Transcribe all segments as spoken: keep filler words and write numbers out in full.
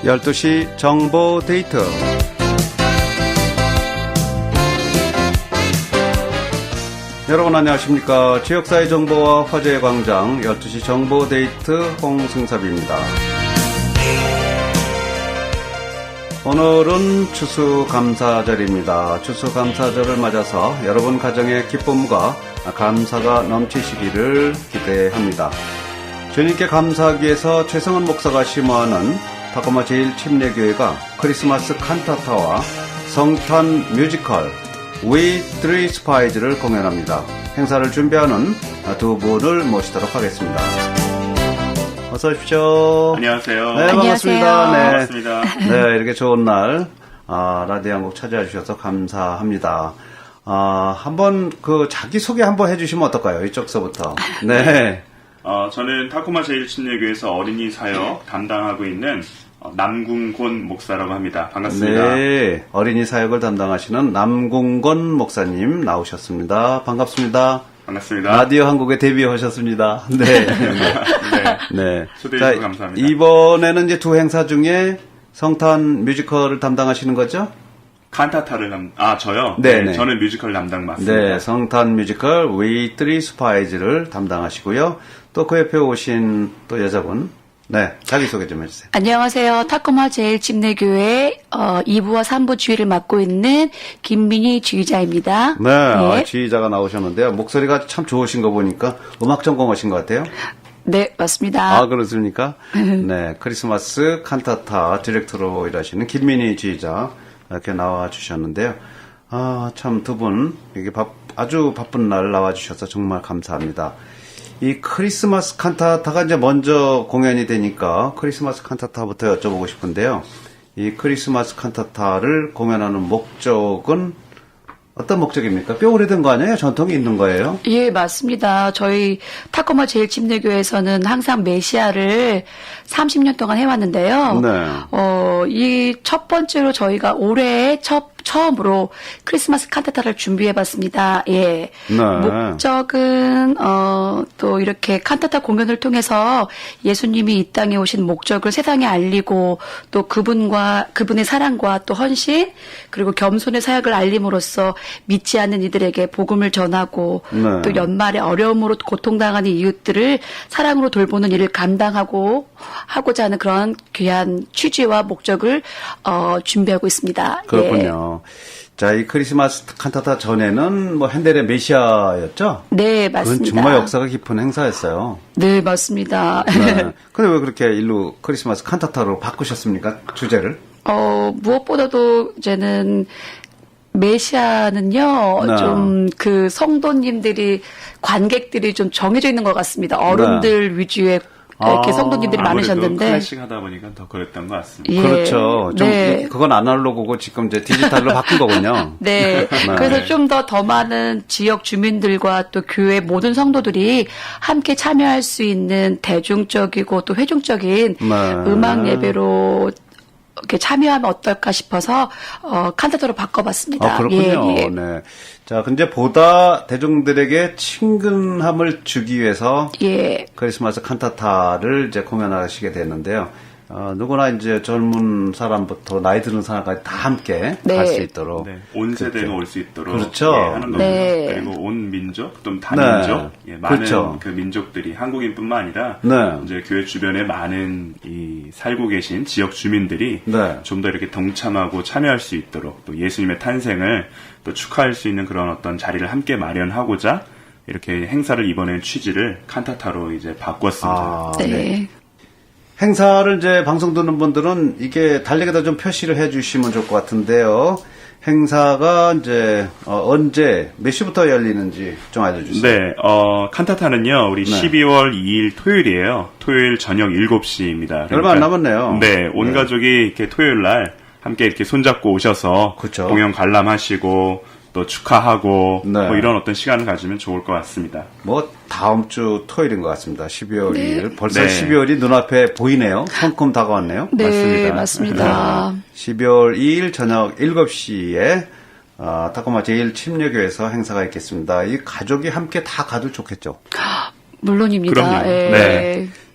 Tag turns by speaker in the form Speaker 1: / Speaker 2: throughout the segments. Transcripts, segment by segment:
Speaker 1: 열두 시 정보 데이트. 여러분 안녕하십니까. 지역사회 정보와 화제의 광장 열두 시 정보 데이트 홍승섭입니다. 오늘은 추수감사절입니다. 추수감사절을 맞아서 여러분 가정의 기쁨과 감사가 넘치시기를 기대합니다. 주님께 감사하기 위해서 최성은 목사가 심호하는 타코마 제일 침례교회가 크리스마스 칸타타와 성탄 뮤지컬 We Three Spies를 공연합니다. 행사를 준비하는 두 분을 모시도록 하겠습니다. 어서 오십시오.
Speaker 2: 안녕하세요.
Speaker 1: 네, 반갑습니다. 네.
Speaker 2: 반갑습니다.
Speaker 1: 네, 이렇게 좋은 날 아, 라디오 한곡 찾아와 주셔서 감사합니다. 아, 한번 그 자기 소개 한번 해주시면 어떨까요? 이쪽서부터. 네.
Speaker 2: 어, 저는 타코마 제일 침례교회에서 어린이 사역 담당하고 있는 어, 남궁곤 목사라고 합니다. 반갑습니다.
Speaker 1: 네, 어린이 사역을 담당하시는 남궁곤 목사님 나오셨습니다. 반갑습니다.
Speaker 2: 반갑습니다.
Speaker 1: 라디오 한국에 데뷔하셨습니다. 네. 네.
Speaker 2: 네. 초대해 주셔서 감사합니다.
Speaker 1: 이번에는 이제 두 행사 중에 성탄 뮤지컬을 담당하시는 거죠?
Speaker 2: 칸타타를 담, 아, 저요?
Speaker 1: 네네.
Speaker 2: 네, 저는 뮤지컬 담당 맞습니다.
Speaker 1: 네, 성탄 뮤지컬 We Three Spies를 담당하시고요. 또 그 옆에 오신 또 여자분. 네, 자기소개 좀 해주세요.
Speaker 3: 안녕하세요. 타코마 제일 침례교회 어, 이 부와 삼 부 주의를 맡고 있는 김민희 주의자입니다.
Speaker 1: 네, 아, 지휘자가 나오셨는데요. 목소리가 참 좋으신 거 보니까 음악 전공하신 것 같아요.
Speaker 3: 네, 맞습니다.
Speaker 1: 아, 그렇습니까? 네, 크리스마스 칸타타 디렉터로 일하시는 김민희 지휘자 이렇게 나와주셨는데요. 아, 참 두 분 이게 바, 아주 바쁜 날 나와주셔서 정말 감사합니다. 이 크리스마스 칸타타가 이제 먼저 공연이 되니까 크리스마스 칸타타부터 여쭤보고 싶은데요. 이 크리스마스 칸타타를 공연하는 목적은 어떤 목적입니까? 꽤 오래된 거 아니에요? 전통이 있는 거예요?
Speaker 3: 예, 맞습니다. 저희 타코마 제일 침례교회에서는 항상 메시아를 삼십 년 동안 해왔는데요.
Speaker 1: 네.
Speaker 3: 어, 이 첫 번째로 저희가 올해 첫 처음으로 크리스마스 칸타타를 준비해봤습니다. 예.
Speaker 1: 네.
Speaker 3: 목적은 어, 또 이렇게 칸타타 공연을 통해서 예수님이 이 땅에 오신 목적을 세상에 알리고 또 그분과 그분의 사랑과 또 헌신 그리고 겸손의 사역을 알림으로써 믿지 않는 이들에게 복음을 전하고
Speaker 1: 네.
Speaker 3: 또 연말에 어려움으로 고통당하는 이웃들을 사랑으로 돌보는 일을 감당하고 하고자 하는 그런 귀한 취지와 목적을 어, 준비하고 있습니다.
Speaker 1: 그렇군요.
Speaker 3: 예.
Speaker 1: 자, 이 크리스마스 칸타타 전에는 뭐 핸델의 메시아였죠?
Speaker 3: 네, 맞습니다.
Speaker 1: 그건 정말 역사가 깊은 행사였어요.
Speaker 3: 네, 맞습니다.
Speaker 1: 네. 근데 왜 그렇게 일로 크리스마스 칸타타로 바꾸셨습니까? 주제를?
Speaker 3: 어, 무엇보다도 이제는 메시아는요,
Speaker 1: 네.
Speaker 3: 좀 그 성도님들이, 관객들이 좀 정해져 있는 것 같습니다. 어른들
Speaker 1: 네.
Speaker 3: 위주의 이렇게
Speaker 1: 아,
Speaker 3: 성도님들이 많으셨는데.
Speaker 2: 클래식 하다 보니까 더 그랬던 것 같습니다.
Speaker 3: 예,
Speaker 1: 그렇죠. 좀
Speaker 3: 네.
Speaker 1: 그건 아날로그고 지금 이제 디지털로 바꾼 거군요.
Speaker 3: 네.
Speaker 1: 네.
Speaker 3: 그래서 좀 더 더 많은 지역 주민들과 또 교회 모든 성도들이 함께 참여할 수 있는 대중적이고 또 회중적인
Speaker 1: 네.
Speaker 3: 음악 예배로 이렇게 참여하면 어떨까 싶어서 어, 칸타타로 바꿔봤습니다.
Speaker 1: 아, 그렇군요.
Speaker 3: 예, 예.
Speaker 1: 네. 자, 근데 보다 대중들에게 친근함을 주기 위해서
Speaker 3: 예.
Speaker 1: 크리스마스 칸타타를 이제 공연하시게 됐는데요. 어, 누구나 이제 젊은 사람부터 나이 드는 사람까지 다 함께
Speaker 3: 네.
Speaker 1: 갈 수 있도록.
Speaker 2: 네, 온 세대가
Speaker 1: 그렇죠.
Speaker 2: 올 수 있도록
Speaker 1: 그렇죠.
Speaker 2: 예, 하는 겁니다.
Speaker 3: 네.
Speaker 2: 그리고 온 민족, 또 다민족,
Speaker 1: 네.
Speaker 2: 예, 많은
Speaker 1: 그렇죠.
Speaker 2: 그 민족들이 한국인뿐만 아니라
Speaker 1: 네.
Speaker 2: 이제 교회 주변에 많은 이 살고 계신 지역 주민들이
Speaker 1: 네.
Speaker 2: 좀 더 이렇게 동참하고 참여할 수 있도록 또 예수님의 탄생을 또 축하할 수 있는 그런 어떤 자리를 함께 마련하고자 이렇게 행사를 이번에 취지를 칸타타로 이제 바꿨습니다.
Speaker 1: 아,
Speaker 3: 네.
Speaker 1: 네. 행사를 이제 방송 듣는 분들은 이게 달력에다 좀 표시를 해 주시면 좋을 것 같은데요. 행사가 이제 어, 언제 몇 시부터 열리는지 좀 알려주세요.
Speaker 2: 네, 어, 칸타타는요, 우리
Speaker 1: 네.
Speaker 2: 십이월 이일 토요일이에요. 토요일 저녁 일곱 시입니다.
Speaker 1: 얼마 안 남았네요.
Speaker 2: 네, 온
Speaker 1: 네.
Speaker 2: 가족이 이렇게 토요일 날 함께 이렇게 손잡고 오셔서
Speaker 1: 그쵸.
Speaker 2: 공연 관람하시고 또 축하하고
Speaker 1: 네.
Speaker 2: 뭐 이런 어떤 시간을 가지면 좋을 것 같습니다.
Speaker 1: 뭐 다음 주 토요일인 것 같습니다. 십이월
Speaker 3: 네.
Speaker 1: 이일. 벌써
Speaker 2: 네.
Speaker 1: 십이월이 눈앞에 보이네요. 성큼 다가왔네요.
Speaker 3: 네,
Speaker 2: 맞습니다.
Speaker 3: 맞습니다.
Speaker 1: 십이월 이일 저녁 일곱 시에 어, 타코마 제일 침례교회에서 행사가 있겠습니다. 이 가족이 함께 다 가도 좋겠죠.
Speaker 3: 물론입니다.
Speaker 2: 그럼요.
Speaker 3: 예.
Speaker 1: 네.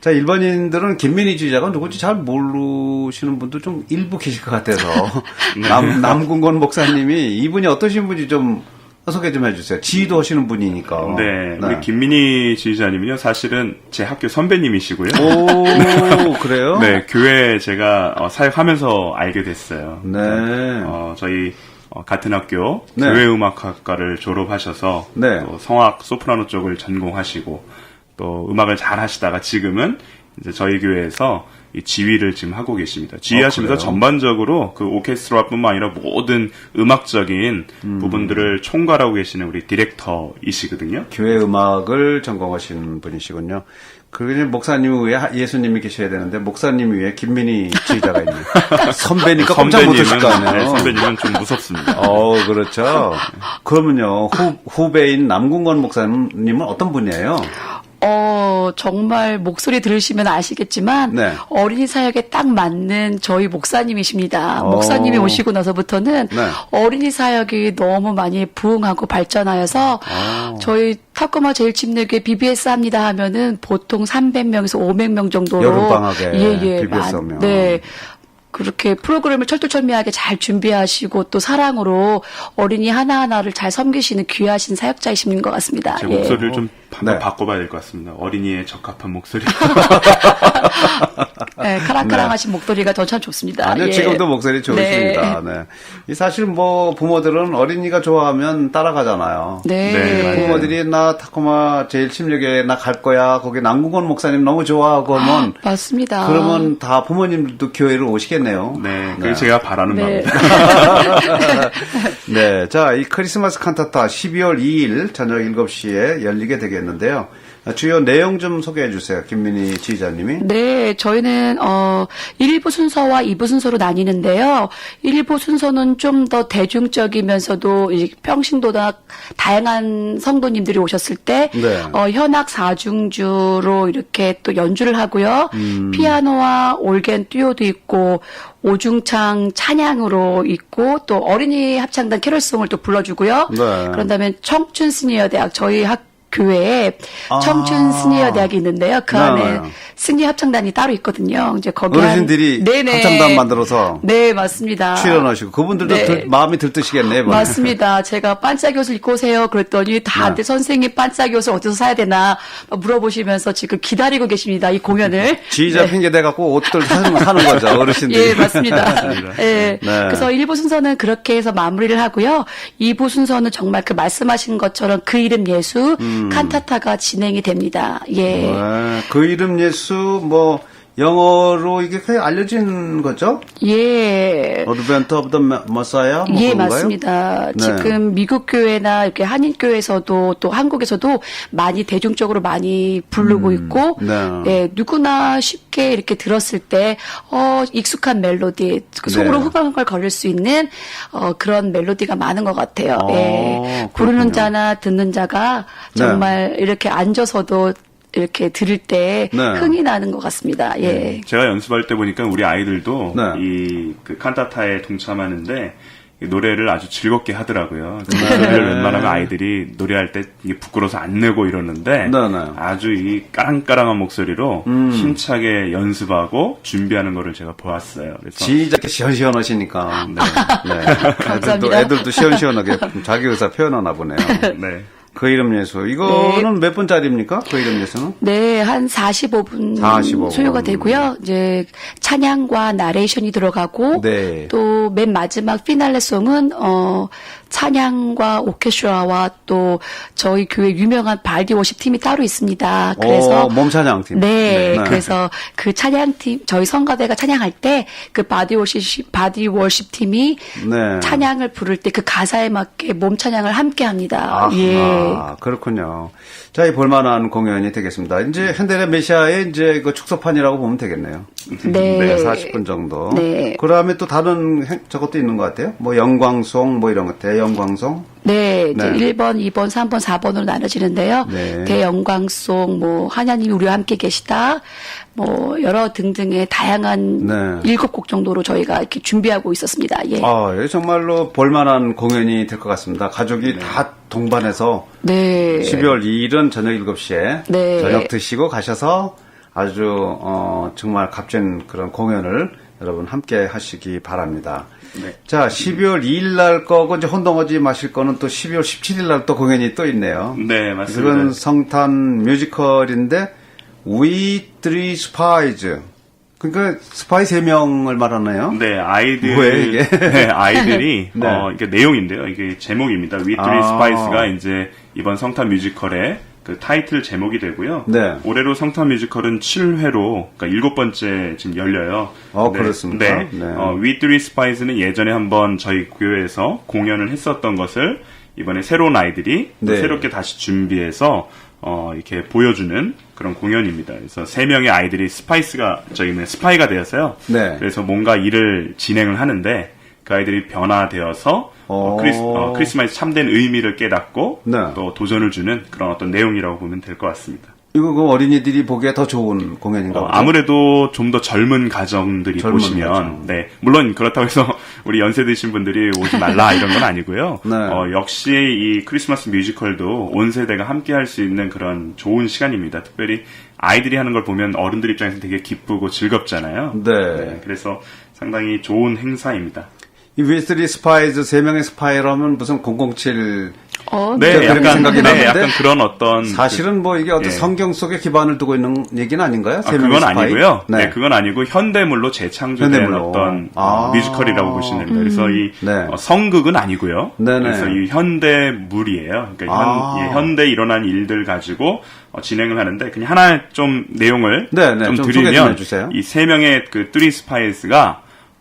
Speaker 1: 자, 일반인들은 김민희 지휘자가 누군지 잘 모르시는 분도 좀 일부 계실 것 같아서 남, 남궁건 목사님이 이분이 어떠신 분인지 좀 소개 좀 해주세요. 지휘도 하시는 분이니까.
Speaker 2: 네,
Speaker 1: 네.
Speaker 2: 우리 김민희 지휘자님은요, 사실은 제 학교 선배님이시고요.
Speaker 1: 오, 그래요?
Speaker 2: 네, 교회 제가 어, 사역하면서 알게 됐어요.
Speaker 1: 네.
Speaker 2: 어, 저희 어, 같은 학교
Speaker 1: 네.
Speaker 2: 교회음악학과를 졸업하셔서
Speaker 1: 네.
Speaker 2: 또 성악 소프라노 쪽을 전공하시고 또 음악을 잘 하시다가 지금은 이제 저희 교회에서 이 지휘를 지금 하고 계십니다. 지휘하시면서
Speaker 1: 어, 그래요?
Speaker 2: 전반적으로 그 오케스트라뿐만 아니라 모든 음악적인
Speaker 1: 음.
Speaker 2: 부분들을 총괄하고 계시는 우리 디렉터이시거든요.
Speaker 1: 교회 음악을 전공하시는 분이시군요. 그리고 목사님 위에 예수님이 계셔야 되는데 목사님 위에 김민희 지휘자가 있네요. 선배니까 꼼짝 못하실 거 아니에요.
Speaker 2: 네, 선배님은 좀 무섭습니다.
Speaker 1: 어, 그렇죠. 그러면요, 후, 후배인 남궁건 목사님은 어떤 분이에요?
Speaker 3: 어, 정말 목소리 들으시면 아시겠지만
Speaker 1: 네.
Speaker 3: 어린이 사역에 딱 맞는 저희 목사님이십니다.
Speaker 1: 어.
Speaker 3: 목사님이 오시고 나서부터는
Speaker 1: 네.
Speaker 3: 어린이 사역이 너무 많이 부흥하고 발전하여서
Speaker 1: 어.
Speaker 3: 저희 탁구마 제일침례교회 비비에스 합니다 하면은 보통 삼백 명에서 오백 명 정도로
Speaker 1: 여름방학에
Speaker 3: 예, 예,
Speaker 1: 비비에스
Speaker 3: 많-
Speaker 1: 오면.
Speaker 3: 네. 그렇게 프로그램을 철두철미하게 잘 준비하시고 또 사랑으로 어린이 하나하나를 잘 섬기시는 귀하신 사역자이신 것 같습니다.
Speaker 2: 제
Speaker 3: 예.
Speaker 2: 목소리를 좀 한번
Speaker 1: 네.
Speaker 2: 바꿔봐야 될 것 같습니다. 어린이에 적합한 목소리.
Speaker 3: 네, 카랑카랑하신 목소리가 더 참 좋습니다.
Speaker 1: 아니요,
Speaker 3: 예.
Speaker 1: 지금도 목소리 좋으십니다. 네. 이 사실 뭐 부모들은 어린이가 좋아하면 따라가잖아요.
Speaker 3: 네.
Speaker 2: 네, 맞아요.
Speaker 1: 부모들이 나 타코마 제일 침례교회 나 갈 거야. 거기 남궁건 목사님 너무 좋아하고 하면
Speaker 3: 맞습니다.
Speaker 1: 그러면 다 부모님들도 교회를 오시겠네요.
Speaker 2: 네, 그게 제가 바라는
Speaker 3: 네.
Speaker 2: 바입니다.
Speaker 1: 네. 자, 이 크리스마스 칸타타 십이월 이일 저녁 일곱 시에 열리게 되겠는데요. 주요 내용 좀 소개해 주세요. 김민희 지휘자님이.
Speaker 3: 네, 저희는 어 일 부 순서와 이 부 순서로 나뉘는데요. 일 부 순서는 좀 더 대중적이면서도 이 평신도나 다양한 성도님들이 오셨을 때
Speaker 1: 네.
Speaker 3: 어, 현악 사중주로 이렇게 또 연주를 하고요.
Speaker 1: 음.
Speaker 3: 피아노와 올겐 듀오도 있고 오중창 찬양으로 있고 또 어린이 합창단 캐럴송을 또 불러주고요.
Speaker 1: 네.
Speaker 3: 그런 다음에 청춘 시니어 대학 저희 학 교회에
Speaker 1: 아.
Speaker 3: 청춘 시니어 대학이 있는데요. 그
Speaker 1: 네,
Speaker 3: 안에
Speaker 1: 네.
Speaker 3: 시니어 합창단이 따로 있거든요. 이제 거기 한-
Speaker 1: 어르신들이
Speaker 3: 네네.
Speaker 1: 합창단 만들어서
Speaker 3: 네, 맞습니다.
Speaker 1: 출연하시고 그분들도
Speaker 3: 네.
Speaker 1: 들- 마음이 들뜨시겠네요. 이번에.
Speaker 3: 맞습니다. 제가 반짝이 옷을 입고 오세요. 그랬더니 다들
Speaker 1: 네.
Speaker 3: 선생님 반짝이 옷을 어디서 사야 되나 물어보시면서 지금 기다리고 계십니다. 이 공연을.
Speaker 1: 지휘자
Speaker 3: 네.
Speaker 1: 핑계 대갖고 옷들 사는, 사는 거죠. 어르신들이.
Speaker 3: 예, 맞습니다. 예.
Speaker 1: 네.
Speaker 3: 그래서 일 부 순서는 그렇게 해서 마무리를 하고요. 이 부 순서는 정말 그 말씀하신 것처럼 그 이름 예수 칸타타가 진행이 됩니다. 예.
Speaker 1: 네, 그 이름 예수 뭐 영어로 이게 거의 알려진 거죠?
Speaker 3: 예.
Speaker 1: 어드벤트 오브 더 머사야? 뭐
Speaker 3: 예,
Speaker 1: 그런가요?
Speaker 3: 맞습니다.
Speaker 1: 네.
Speaker 3: 지금 미국 교회나 이렇게 한인 교회에서도 또 한국에서도 많이 대중적으로 많이 부르고 있고,
Speaker 1: 네.
Speaker 3: 예, 누구나 쉽게 이렇게 들었을 때, 어, 익숙한 멜로디, 그 속으로
Speaker 1: 네.
Speaker 3: 후광을 걸릴 수 있는, 어, 그런 멜로디가 많은 것 같아요.
Speaker 1: 어,
Speaker 3: 예.
Speaker 1: 그렇군요.
Speaker 3: 부르는 자나 듣는 자가 정말 이렇게 앉아서도 이렇게 들을 때
Speaker 1: 네.
Speaker 3: 흥이 나는 것 같습니다. 예.
Speaker 2: 제가 연습할 때 보니까 우리 아이들도
Speaker 1: 네.
Speaker 2: 이 그 칸타타에 동참하는데 이 노래를 아주 즐겁게 하더라고요. 노래를 웬만하면 아이들이 노래할 때 이게 부끄러워서 안 내고 이러는데
Speaker 1: 네, 네.
Speaker 2: 아주 이 까랑까랑한 목소리로
Speaker 1: 음.
Speaker 2: 힘차게 연습하고 준비하는 거를 제가 보았어요. 그래서
Speaker 1: 지휘자께 시원시원하시니까. 네. 네. 애들도,
Speaker 3: 감사합니다.
Speaker 1: 애들도 시원시원하게 자기 의사 표현하나 보네요.
Speaker 2: 네.
Speaker 1: 그 이름 예수. 이거는 몇 분짜리입니까? 그 이름 예수는?
Speaker 3: 네, 한 사십오 분
Speaker 1: 사십오 분.
Speaker 3: 소요가 되고요. 이제 찬양과 나레이션이 들어가고
Speaker 1: 네.
Speaker 3: 또 맨 마지막 피날레 송은 어 찬양과 오케스트라와 또 저희 교회 유명한 바디 워십 팀이 따로 있습니다. 그래서
Speaker 1: 오, 몸찬양팀.
Speaker 3: 네,
Speaker 1: 네.
Speaker 3: 그래서 그 찬양팀 저희 성가대가 찬양할 때 그 바디 워십 바디 워십 팀이
Speaker 1: 네.
Speaker 3: 찬양을 부를 때 그 가사에 맞게 몸 찬양을 함께 합니다.
Speaker 1: 아,
Speaker 3: 예.
Speaker 1: 그렇군요. 자, 이 볼만한 공연이 되겠습니다. 이제 현대의 메시아의 이제 그 축소판이라고 보면 되겠네요.
Speaker 3: 네.
Speaker 1: 네, 사십 분 정도.
Speaker 3: 네.
Speaker 1: 그 다음에 또 다른 행- 저것도 있는 것 같아요. 뭐 영광송 뭐 이런 것, 대영광송.
Speaker 3: 네, 이제
Speaker 1: 네.
Speaker 3: 일 번, 이 번, 삼 번, 사 번으로 나눠지는데요.
Speaker 1: 네.
Speaker 3: 대영광송, 뭐, 하나님이 우리와 함께 계시다, 뭐, 여러 등등의 다양한
Speaker 1: 네.
Speaker 3: 일곱 곡 정도로 저희가 이렇게 준비하고 있었습니다. 예.
Speaker 1: 아, 예, 정말로 볼만한 공연이 될 것 같습니다. 가족이 다 동반해서
Speaker 3: 네.
Speaker 1: 십이월 이일은 저녁 일곱 시에
Speaker 3: 네.
Speaker 1: 저녁 드시고 가셔서 아주 어, 정말 값진 그런 공연을 여러분 함께 하시기 바랍니다.
Speaker 2: 네.
Speaker 1: 자, 십이월 이일 날 거고 이제 혼동하지 마실 거는 또 십이월 십칠일 날 또 공연이 또 있네요.
Speaker 2: 네, 맞습니다.
Speaker 1: 이건 성탄 뮤지컬인데 We Three Spies. 그러니까 스파이 세 명을 말하나요?
Speaker 2: 네, 아이들,
Speaker 1: 뭐예요, 이게?
Speaker 2: 네, 아이들이,
Speaker 1: 네.
Speaker 2: 어, 이게 내용인데요. 이게 제목입니다. We Three
Speaker 1: 아.
Speaker 2: Spies가 이제 이번 성탄 뮤지컬의 그 타이틀 제목이 되고요.
Speaker 1: 네.
Speaker 2: 올해로 성탄 뮤지컬은 칠 회로, 그러니까 일곱 번째 지금 열려요.
Speaker 1: 어,
Speaker 2: 네,
Speaker 1: 그렇습니까?
Speaker 2: 네.
Speaker 1: 네.
Speaker 2: 어, We Three Spies는 예전에 한번 저희 교회에서 공연을 했었던 것을 이번에 새로운 아이들이 또
Speaker 1: 네.
Speaker 2: 새롭게 다시 준비해서 어, 이렇게 보여주는 그런 공연입니다. 그래서 세 명의 아이들이 스파이스가, 저희는 스파이가 되어서요.
Speaker 1: 네.
Speaker 2: 그래서 뭔가 일을 진행을 하는데 그 아이들이 변화되어서 어,
Speaker 1: 오.
Speaker 2: 크리스, 어, 크리스마스 참된 의미를 깨닫고
Speaker 1: 네.
Speaker 2: 또 도전을 주는 그런 어떤 내용이라고 보면 될 것 같습니다.
Speaker 1: 이거 그 어린이들이 보기에 더 좋은 공연인가
Speaker 2: 어,
Speaker 1: 보죠?
Speaker 2: 아무래도 좀 더 젊은 가정들이
Speaker 1: 젊은
Speaker 2: 보시면,
Speaker 1: 가정.
Speaker 2: 네, 물론 그렇다고 해서 우리 연세 드신 분들이 오지 말라 이런 건 아니고요.
Speaker 1: 네.
Speaker 2: 어, 역시 이 크리스마스 뮤지컬도 온 세대가 함께 할 수 있는 그런 좋은 시간입니다. 특별히 아이들이 하는 걸 보면 어른들 입장에서 되게 기쁘고 즐겁잖아요.
Speaker 1: 네.
Speaker 2: 그래서 상당히 좋은 행사입니다.
Speaker 1: 이 위스리 스파이즈 세 명의 스파이라면 무슨 공공칠
Speaker 3: 어,
Speaker 2: 네,
Speaker 1: 그렇게
Speaker 2: 약간,
Speaker 1: 생각이
Speaker 2: 네,
Speaker 1: 나는데
Speaker 2: 약간 그런 어떤.
Speaker 1: 사실은 뭐 이게 어떤
Speaker 2: 예.
Speaker 1: 성경 속에 기반을 두고 있는 얘기는 아닌가요?
Speaker 2: 아,
Speaker 1: 세 명의
Speaker 2: 그건
Speaker 1: 스파이?
Speaker 2: 아니고요.
Speaker 1: 네.
Speaker 2: 네. 그건 아니고 현대물로 재창조된
Speaker 1: 현대물로.
Speaker 2: 어떤
Speaker 1: 아.
Speaker 2: 어, 뮤지컬이라고 보시면 됩니다. 그래서 이
Speaker 1: 네.
Speaker 2: 어, 성극은 아니고요.
Speaker 1: 네네.
Speaker 2: 그래서 이 현대물이에요. 그러니까
Speaker 1: 아.
Speaker 2: 현, 예, 현대 일어난 일들 가지고 어, 진행을 하는데 그냥 하나 좀 내용을
Speaker 1: 네네,
Speaker 2: 좀
Speaker 1: 좀 소개 좀
Speaker 2: 드리면
Speaker 1: 해주세요.
Speaker 2: 이 세 명의 그 뚜리 스파이스가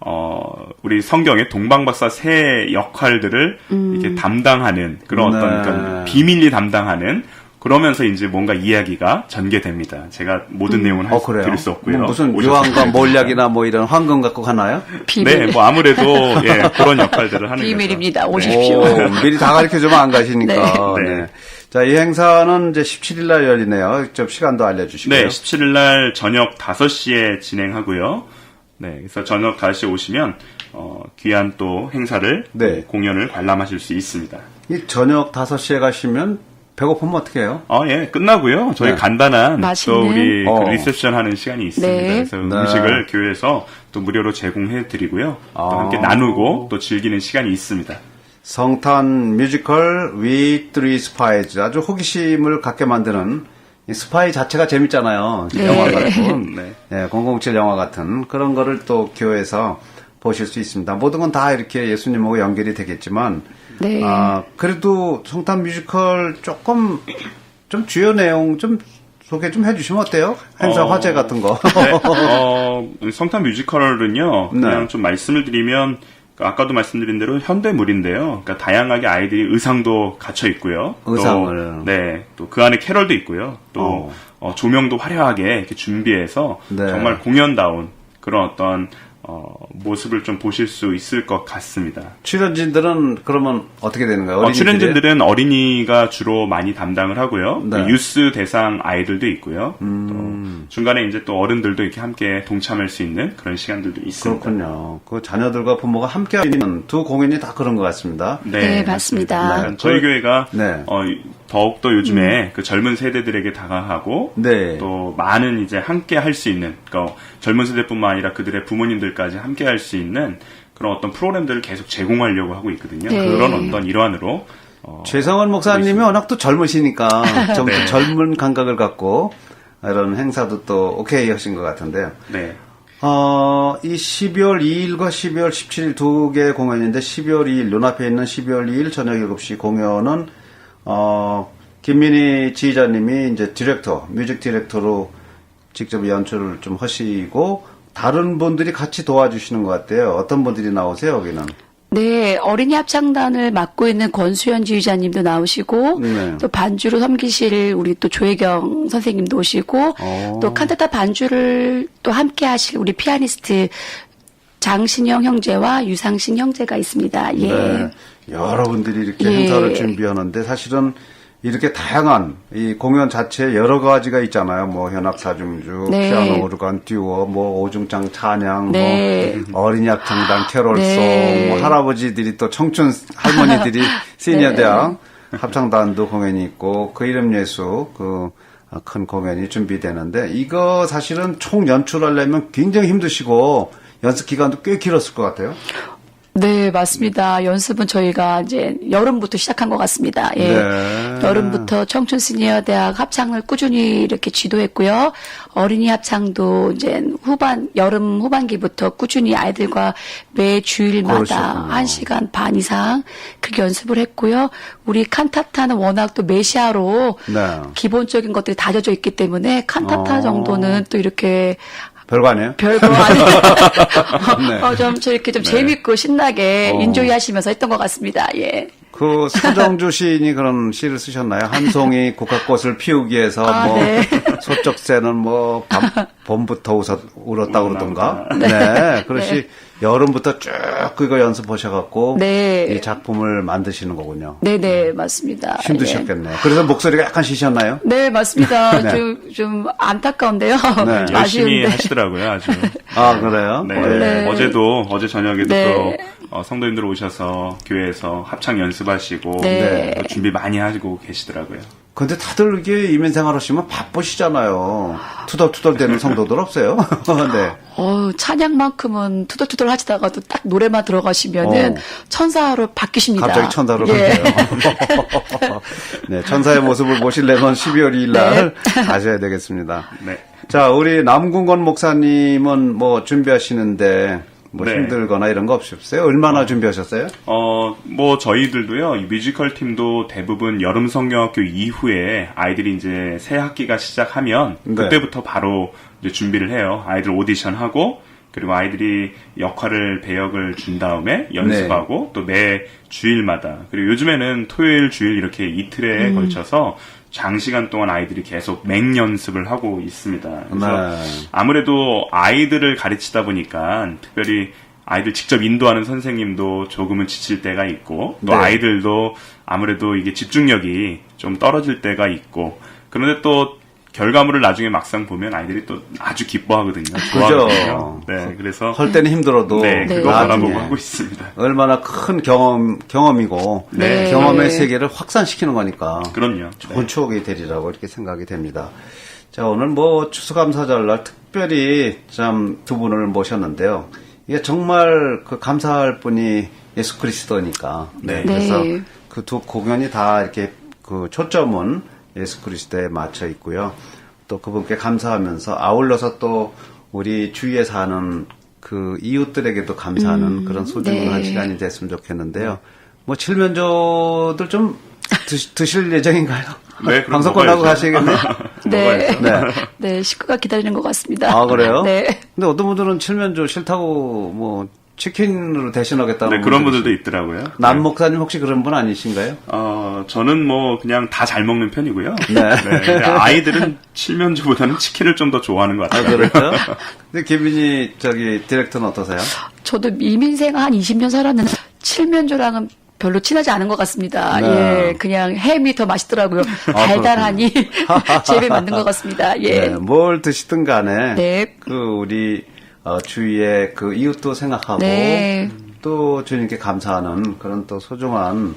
Speaker 2: 어, 우리 성경의 동방박사 세 역할들을 이렇게 담당하는 그런
Speaker 1: 네.
Speaker 2: 어떤 그러니까 비밀리 담당하는 그러면서 이제 뭔가 이야기가 전개됩니다. 제가 모든 내용은 할
Speaker 1: 어
Speaker 2: 수,
Speaker 1: 그래요?
Speaker 2: 드릴 수 없고요.
Speaker 1: 뭐 무슨
Speaker 2: 오셔서
Speaker 1: 유황과
Speaker 2: 드려야
Speaker 1: 몰약이나 뭐 이런 황금 갖고 가나요?
Speaker 3: 비밀.
Speaker 2: 네, 뭐 아무래도 예, 그런 역할들을 하는
Speaker 3: 비밀입니다.
Speaker 2: 거죠.
Speaker 3: 오십시오.
Speaker 1: 오, 미리 다 가르쳐주면 안 가시니까.
Speaker 2: 네.
Speaker 1: 네. 자, 이 행사는 이제 십칠일 날 열리네요. 좀 시간도 알려주시고요.
Speaker 2: 네, 십칠일 날 저녁 다섯 시에 진행하고요. 네, 그래서 저녁 다섯 시에 오시면 어, 귀한 또 행사를
Speaker 1: 네.
Speaker 2: 공연을 관람하실 수 있습니다.
Speaker 1: 이 저녁 다섯 시에 가시면 배고프면 어떻게 해요?
Speaker 2: 어, 예, 끝나고요. 저희
Speaker 1: 네.
Speaker 2: 간단한
Speaker 3: 맛있는?
Speaker 2: 또 우리 그
Speaker 1: 어.
Speaker 2: 리셉션 하는 시간이 있습니다.
Speaker 3: 네.
Speaker 2: 그래서
Speaker 1: 네.
Speaker 2: 음식을 교회에서 또 무료로 제공해 드리고요. 또
Speaker 1: 아.
Speaker 2: 함께 나누고 또 즐기는 시간이 있습니다.
Speaker 1: 성탄 뮤지컬 We Three Spies 아주 호기심을 갖게 만드는 이 스파이 자체가 재밌잖아요.
Speaker 3: 네.
Speaker 1: 영화 같은
Speaker 2: 네.
Speaker 1: 네, 공공칠 영화 같은 그런 거를 또 교회에서 보실 수 있습니다. 모든 건 다 이렇게 예수님하고 연결이 되겠지만
Speaker 3: 네.
Speaker 1: 아, 그래도 성탄 뮤지컬 조금 좀 주요 내용 좀 소개 좀 해주시면 어때요? 행사
Speaker 2: 어.
Speaker 1: 화제 같은 거.
Speaker 2: 네, 어, 성탄 뮤지컬은요, 그냥
Speaker 1: 네.
Speaker 2: 좀 말씀을 드리면, 아까도 말씀드린 대로 현대물인데요. 그러니까 다양하게 아이들이 의상도 갖춰 있고요.
Speaker 1: 의상을.
Speaker 2: 또, 네, 또 그 안에 캐럴도 있고요. 또
Speaker 1: 어.
Speaker 2: 어, 조명도 화려하게 이렇게 준비해서
Speaker 1: 네.
Speaker 2: 정말 공연다운 그런 어떤 어, 모습을 좀 보실 수 있을 것 같습니다.
Speaker 1: 출연진들은 그러면 어떻게 되는 거예요?
Speaker 2: 어,
Speaker 1: 어린이들이에요?
Speaker 2: 출연진들은 어린이가 주로 많이 담당을 하고요.
Speaker 1: 네.
Speaker 2: 또 유스 대상 아이들도 있고요.
Speaker 1: 음.
Speaker 2: 또 중간에 이제 또 어른들도 이렇게 함께 동참할 수 있는 그런 시간들도 있습니다.
Speaker 1: 그렇군요. 그 자녀들과 부모가 함께 하는 두 공연이 다 그런 것 같습니다.
Speaker 3: 네, 맞습니다.
Speaker 2: 네, 저희
Speaker 1: 그-
Speaker 2: 교회가
Speaker 1: 네.
Speaker 2: 어, 더욱더 요즘에 그 젊은 세대들에게 다가가고
Speaker 1: 네.
Speaker 2: 또 많은 이제 함께 할 수 있는 그러니까 젊은 세대뿐만 아니라 그들의 부모님들까지 함께 할 수 있는 그런 어떤 프로그램들을 계속 제공하려고 하고 있거든요.
Speaker 3: 네.
Speaker 2: 그런 어떤 일환으로 어,
Speaker 1: 최성원 목사님이 워낙 또 젊으시니까 좀
Speaker 2: 네.
Speaker 1: 젊은 감각을 갖고 이런 행사도 또 오케이 하신 것 같은데요.
Speaker 2: 네.
Speaker 1: 어, 이 십이월 이일과 십이월 십칠일 두 개의 공연인데 십이월 이일 눈앞에 있는 십이월 이일 저녁 일곱 시 공연은 어, 김민희 지휘자님이 이제 디렉터, 뮤직 디렉터로 직접 연출을 좀 하시고 다른 분들이 같이 도와주시는 것 같아요. 어떤 분들이 나오세요, 여기는?
Speaker 3: 네, 어린이 합창단을 맡고 있는 권수현 지휘자님도 나오시고,
Speaker 1: 네.
Speaker 3: 또 반주로 섬기실 우리 또 조혜경 선생님도 오시고,
Speaker 1: 오.
Speaker 3: 또 칸타타 반주를 또 함께 하실 우리 피아니스트 장신영 형제와 유상신 형제가 있습니다. 예.
Speaker 1: 네. 여러분들이 이렇게
Speaker 3: 예.
Speaker 1: 행사를 준비하는데 사실은 이렇게 다양한 이 공연 자체에 여러 가지가 있잖아요. 뭐 현악 사중주,
Speaker 3: 네.
Speaker 1: 피아노 오르간 듀오, 뭐 오중장 찬양,
Speaker 3: 네.
Speaker 1: 뭐 어린이 합창단 캐롤송,
Speaker 3: 네.
Speaker 1: 뭐 할아버지들이 또 청춘 할머니들이 시니어
Speaker 3: 네.
Speaker 1: 대학 합창단도 공연이 있고 그 이름 예수 그 어, 큰 공연이 준비되는데 이거 사실은 총 연출하려면 굉장히 힘드시고 연습 기간도 꽤 길었을 것 같아요.
Speaker 3: 네, 맞습니다. 연습은 저희가 이제 여름부터 시작한 것 같습니다. 예.
Speaker 1: 네.
Speaker 3: 여름부터 청춘 시니어 대학 합창을 꾸준히 이렇게 지도했고요. 어린이 합창도 이제 후반, 여름 후반기부터 꾸준히 아이들과 매 주일마다
Speaker 1: 그러셨군요.
Speaker 3: 한 시간 반 이상 그렇게 연습을 했고요. 우리 칸타타는 워낙 또 메시아로
Speaker 1: 네.
Speaker 3: 기본적인 것들이 다져져 있기 때문에 칸타타
Speaker 1: 어.
Speaker 3: 정도는 또 이렇게
Speaker 1: 별거 아니에요?
Speaker 3: 별거 아니에요.
Speaker 1: 네.
Speaker 3: 어, 좀 저렇게 좀 재밌고 신나게
Speaker 1: 어.
Speaker 3: 인조이 하시면서 했던 것 같습니다. 예.
Speaker 1: 그 서정주 시인이 그런 시를 쓰셨나요? 한 송이 국화꽃을 피우기 위해서
Speaker 3: 아,
Speaker 1: 뭐
Speaker 3: 네.
Speaker 1: 소쩍새는 뭐 밤, 봄부터 웃었, 울었다 그러던가.
Speaker 2: 네.
Speaker 1: 네. 그렇지 여름부터 쭉 그거 연습하셔갖고
Speaker 3: 네.
Speaker 1: 이 작품을 만드시는 거군요.
Speaker 3: 네네, 맞습니다. 예.
Speaker 1: 힘드셨겠네요. 그래서 목소리가 약간 쉬셨나요?
Speaker 3: 네, 맞습니다.
Speaker 1: 네.
Speaker 3: 좀, 좀 안타까운데요.
Speaker 1: 네.
Speaker 2: 열심히
Speaker 3: 아쉬운데.
Speaker 2: 하시더라고요, 아주.
Speaker 1: 아 그래요?
Speaker 2: 네.
Speaker 3: 원래-
Speaker 2: 어제도, 어제 저녁에도
Speaker 3: 네.
Speaker 2: 또, 어, 성도님들 오셔서 교회에서 합창 연습하시고,
Speaker 3: 네.
Speaker 2: 또 준비 많이 하고 계시더라고요.
Speaker 1: 근데 다들 이게 이민생활 하시면 바쁘시잖아요. 투덜투덜 되는 성도들 없어요? 네.
Speaker 3: 어 찬양만큼은 투덜투덜 하시다가도 딱 노래만 들어가시면은
Speaker 1: 어.
Speaker 3: 천사로 바뀌십니다.
Speaker 1: 갑자기 천사로
Speaker 3: 예.
Speaker 1: 바뀌어요. 네, 천사의 모습을 보시려면 십이월 이일 날 가셔야 되겠습니다.
Speaker 2: 네.
Speaker 1: 자, 우리 남궁건 목사님은 뭐 준비하시는데 뭐
Speaker 2: 네.
Speaker 1: 힘들거나 이런 거 없으셨어요? 얼마나 준비하셨어요?
Speaker 2: 어, 뭐, 저희들도요, 이 뮤지컬 팀도 대부분 여름 성경학교 이후에 아이들이 이제 새 학기가 시작하면,
Speaker 1: 네.
Speaker 2: 그때부터 바로 이제 준비를 해요. 아이들 오디션하고, 그리고 아이들이 역할을, 배역을 준 다음에 연습하고, 또 매 주일마다, 그리고 요즘에는 토요일, 주일 이렇게 이틀에 걸쳐서 장시간 동안 아이들이 계속 맹연습을 하고 있습니다. 그래서
Speaker 1: 네.
Speaker 2: 아무래도 아이들을 가르치다 보니까 특별히 아이들 직접 인도하는 선생님도 조금은 지칠 때가 있고 또
Speaker 1: 네.
Speaker 2: 아이들도 아무래도 이게 집중력이 좀 떨어질 때가 있고 그런데 또 결과물을 나중에 막상 보면 아이들이 또 아주 기뻐하거든요. 좋아하거든요. 네, 그래서
Speaker 1: 할 때는 힘들어도
Speaker 2: 네,
Speaker 3: 네.
Speaker 2: 그거
Speaker 1: 나중에
Speaker 2: 바라보고 하고 있습니다.
Speaker 1: 얼마나 큰 경험, 경험이고
Speaker 3: 네.
Speaker 1: 경험의
Speaker 3: 네.
Speaker 1: 세계를 확산시키는 거니까
Speaker 2: 그럼요.
Speaker 1: 좋은
Speaker 2: 네.
Speaker 1: 추억이 되리라고 이렇게 생각이 됩니다. 자, 오늘 뭐 추수감사절날 특별히 참 두 분을 모셨는데요. 이게 정말 그 감사할 분이 예수 그리스도니까.
Speaker 2: 네.
Speaker 1: 그래서
Speaker 3: 네.
Speaker 1: 그 두 공연이 다 이렇게 그 초점은 예수 그리스도에 맞춰 있고요. 또 그분께 감사하면서 아울러서 또 우리 주위에 사는 그 이웃들에게도 감사하는 그런 소중한
Speaker 3: 네.
Speaker 1: 시간이 됐으면 좋겠는데요. 뭐 칠면조들 좀 드시, 드실 예정인가요?
Speaker 2: 네, 그럼
Speaker 1: 방송 끝나고
Speaker 2: 먹어야죠.
Speaker 1: 가시겠네요.
Speaker 3: 네.
Speaker 1: 네.
Speaker 3: 네, 식구가 기다리는 것 같습니다.
Speaker 1: 아, 그래요?
Speaker 3: 네.
Speaker 1: 근데 어떤 분들은 칠면조 싫다고 뭐 치킨으로 대신하겠다는
Speaker 2: 네, 그런
Speaker 1: 분들이
Speaker 2: 분들도
Speaker 1: 있어요.
Speaker 2: 있더라고요.
Speaker 1: 남
Speaker 2: 네.
Speaker 1: 목사님 혹시 그런 분 아니신가요?
Speaker 2: 어, 저는 뭐 그냥 다 잘 먹는 편이고요.
Speaker 1: 네.
Speaker 2: 근데 아이들은 칠면조보다는 치킨을 좀 더 좋아하는 것
Speaker 1: 아,
Speaker 2: 같아요.
Speaker 1: 그렇죠? 근데 김민희 저기 디렉터는 어떠세요?
Speaker 3: 저도 이민생 한 이십 년 살았는데 칠면조랑은 별로 친하지 않은 것 같습니다.
Speaker 1: 네.
Speaker 3: 예, 그냥 햄이 더 맛있더라고요. 달달하니 재미 만든 것 같습니다. 예.
Speaker 1: 네, 뭘 드시든 간에
Speaker 3: 네.
Speaker 1: 그 우리 어, 주위의 그 이웃도 생각하고
Speaker 3: 네.
Speaker 1: 또 주님께 감사하는 그런 또 소중한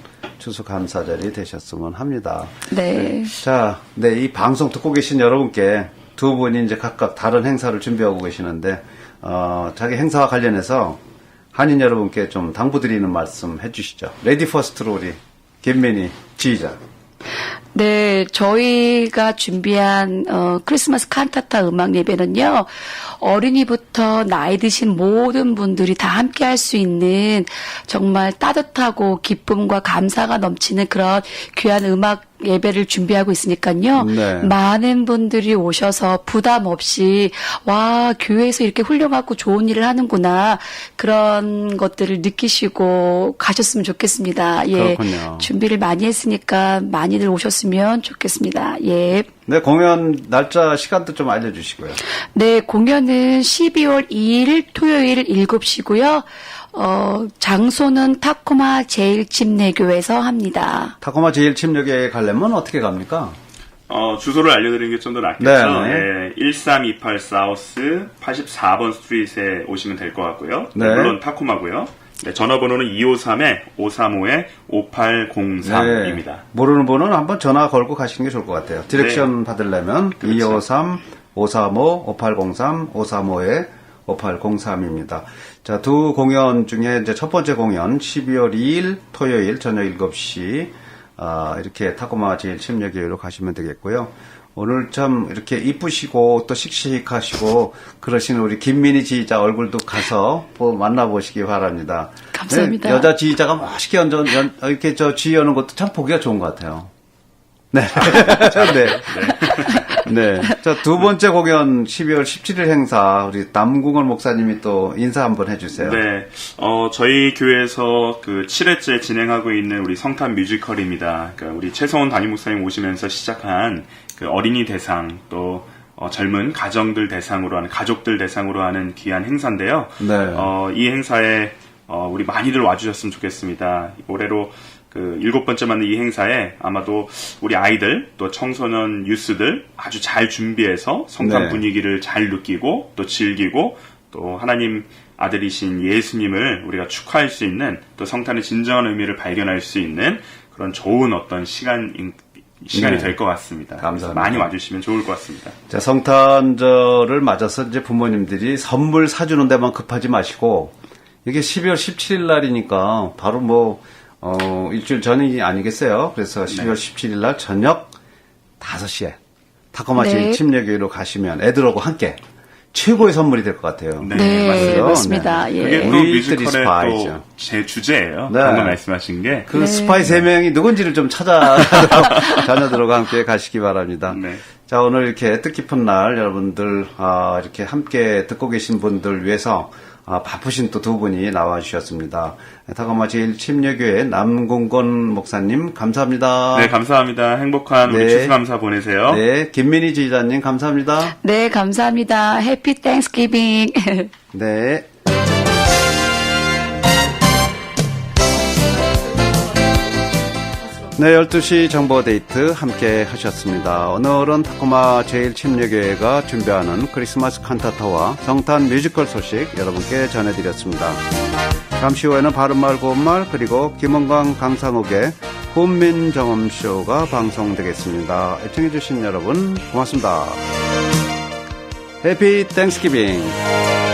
Speaker 1: 추수감사절이 되셨으면 합니다.
Speaker 3: 네.
Speaker 1: 자, 네, 이 방송 듣고 계신 여러분께 두 분이 이제 각각 다른 행사를 준비하고 계시는데, 어, 자기 행사와 관련해서 한인 여러분께 좀 당부드리는 말씀 해주시죠. 레디 퍼스트로 우리 김민희 지휘자.
Speaker 3: 네, 저희가 준비한 어, 크리스마스 칸타타 음악 예배는요. 어린이부터 나이 드신 모든 분들이 다 함께 할 수 있는 정말 따뜻하고 기쁨과 감사가 넘치는 그런 귀한 음악 예배를 준비하고 있으니까요.
Speaker 1: 네.
Speaker 3: 많은 분들이 오셔서 부담 없이 와, 교회에서 이렇게 훌륭하고 좋은 일을 하는구나. 그런 것들을 느끼시고 가셨으면 좋겠습니다. 예.
Speaker 1: 그렇군요.
Speaker 3: 준비를 많이 했으니까 많이들 오셨으면 좋겠습니다. 예.
Speaker 1: 네, 공연 날짜 시간도 좀 알려주시고요.
Speaker 3: 네, 공연은 십이월 이일 토요일 일곱 시고요. 어, 장소는 타코마 제일침례교에서 합니다.
Speaker 1: 타코마 제일침략에 가려면 어떻게 갑니까?
Speaker 2: 어, 주소를 알려드리는 게 좀 더 낫겠죠.
Speaker 1: 네.
Speaker 2: 네, 일삼이팔 사우스 팔십사 번 스트리트에 오시면 될 것 같고요.
Speaker 1: 네.
Speaker 2: 물론 타코마고요. 네, 전화번호는 이오삼 오삼오 오팔공삼입니다.
Speaker 1: 네. 모르는 분은 한번 전화 걸고 가시는 게 좋을 것 같아요. 디렉션
Speaker 2: 네.
Speaker 1: 받으려면
Speaker 2: 그렇죠.
Speaker 1: 이오삼 오삼오 오팔공삼 오삼오 오팔공삼입니다. 자, 두 공연 중에 이제 첫 번째 공연 십이월 이일 토요일 저녁 일곱 시 아, 이렇게 타코마 제일 침례교회로 가시면 되겠고요. 오늘 참 이렇게 이쁘시고 또 씩씩하시고 그러신 우리 김민희 지휘자 얼굴도 가서 뭐 만나보시기 바랍니다.
Speaker 3: 감사합니다.
Speaker 1: 네, 여자 지휘자가 멋있게 연전, 연, 이렇게 저 지휘하는 것도 참 보기가 좋은 것 같아요. 네. 네. 네. 자, 두 번째 공연 십이월 십칠일 행사 우리 남궁원 목사님이 또 인사 한번 해주세요.
Speaker 2: 네, 어, 저희 교회에서 그 칠 회째 진행하고 있는 우리 성탄 뮤지컬입니다. 그러니까 우리 최성원 담임 목사님 오시면서 시작한 그 어린이 대상 또 어, 젊은 가정들 대상으로 하는 가족들 대상으로 하는 귀한 행사인데요.
Speaker 1: 네.
Speaker 2: 어, 이 행사에 어, 우리 많이들 와주셨으면 좋겠습니다. 올해로 그 일곱 번째 맞는 이 행사에 아마도 우리 아이들 또 청소년 유스들 아주 잘 준비해서 성탄
Speaker 1: 네.
Speaker 2: 분위기를 잘 느끼고 또 즐기고 또 하나님 아들이신 예수님을 우리가 축하할 수 있는 또 성탄의 진정한 의미를 발견할 수 있는 그런 좋은 어떤 시간 시간이
Speaker 1: 네.
Speaker 2: 될 것 같습니다.
Speaker 1: 감사합니다.
Speaker 2: 많이 와주시면 좋을 것 같습니다.
Speaker 1: 자, 성탄절을 맞아서 이제 부모님들이 선물 사주는 데만 급하지 마시고 이게 십이월 십칠일 날이니까 바로 뭐 어, 일주일 전이 아니겠어요. 그래서 십이월 십칠일 날 저녁 다섯 시에 타코마
Speaker 3: 네.
Speaker 1: 제일 침례교회로 가시면 애들하고 함께 최고의 선물이 될 것 같아요.
Speaker 2: 네,
Speaker 3: 네,
Speaker 2: 맞습니다.
Speaker 3: 맞습니다.
Speaker 1: 네.
Speaker 3: 예.
Speaker 2: 그게 또
Speaker 1: 우리들이
Speaker 2: 뮤지컬의
Speaker 1: 스파이죠.
Speaker 2: 또 제 주제예요.
Speaker 1: 네.
Speaker 2: 방금 말씀하신 게.
Speaker 1: 그 스파이 세 명이 누군지를 좀 찾아 자녀들과 함께 가시기 바랍니다.
Speaker 2: 네.
Speaker 1: 자, 오늘 이렇게 뜻깊은 날 여러분들 아, 이렇게 함께 듣고 계신 분들 위해서 아, 바쁘신 또 두 분이 나와 주셨습니다. 타코마 제일 침례교회 남궁건 목사님 감사합니다.
Speaker 2: 네, 감사합니다. 행복한 우리
Speaker 1: 네.
Speaker 2: 추수감사 보내세요.
Speaker 1: 네, 김민희 지휘자님 감사합니다.
Speaker 3: 네, 감사합니다. 해피 땡스기빙.
Speaker 1: 네. 네, 열두 시 정보데이트 함께 하셨습니다. 오늘은 타코마 제일 침례교회가 준비하는 크리스마스 칸타타와 성탄 뮤지컬 소식 여러분께 전해드렸습니다. 잠시 후에는 바른말 고운말 그리고 김원광 강상욱의 훈민정음쇼가 방송되겠습니다. 애청해주신 여러분 고맙습니다. 해피 땡스기빙.